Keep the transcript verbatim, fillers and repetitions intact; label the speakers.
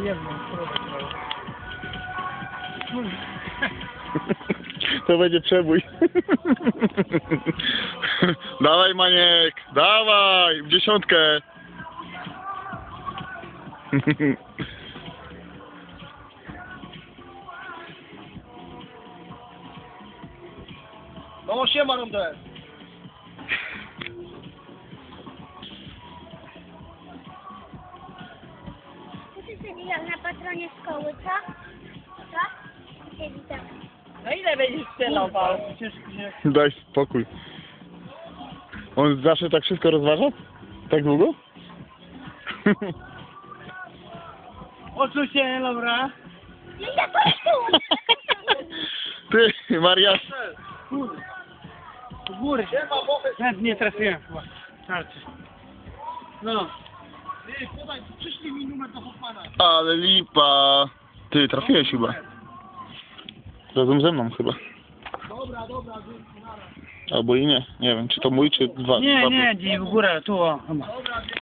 Speaker 1: jedno.
Speaker 2: To będzie przebój. Dawaj, Maniek, dawaj, w dziesiątkę.
Speaker 1: No siema, Rondel.
Speaker 3: Ty siedzi jak na patronie szkoły, co? Co? Siedzi tam.
Speaker 1: No ile będziesz strzelał, Paweł? Przecież się...
Speaker 2: Daj spokój. On zawsze tak wszystko rozważa? Tak długo?
Speaker 1: Oczu się, dobra.
Speaker 3: No ja to tu!
Speaker 2: Ty, Mariasz.
Speaker 1: Góry. Do góry. Nawet nie trafiłem chyba. Starczy. No. Ty, podaj, przyszli mi numer do Hoffmana.
Speaker 2: Ale lipa. Ty, trafiłeś chyba. Razem ze mną chyba.
Speaker 1: Dobra, dobra, dzięki, nara.
Speaker 2: Albo i nie. Nie wiem, czy to mój, czy dwa.
Speaker 1: Nie,
Speaker 2: dwa
Speaker 1: nie, gdzieś w górę, tu o, chyba. Dobra,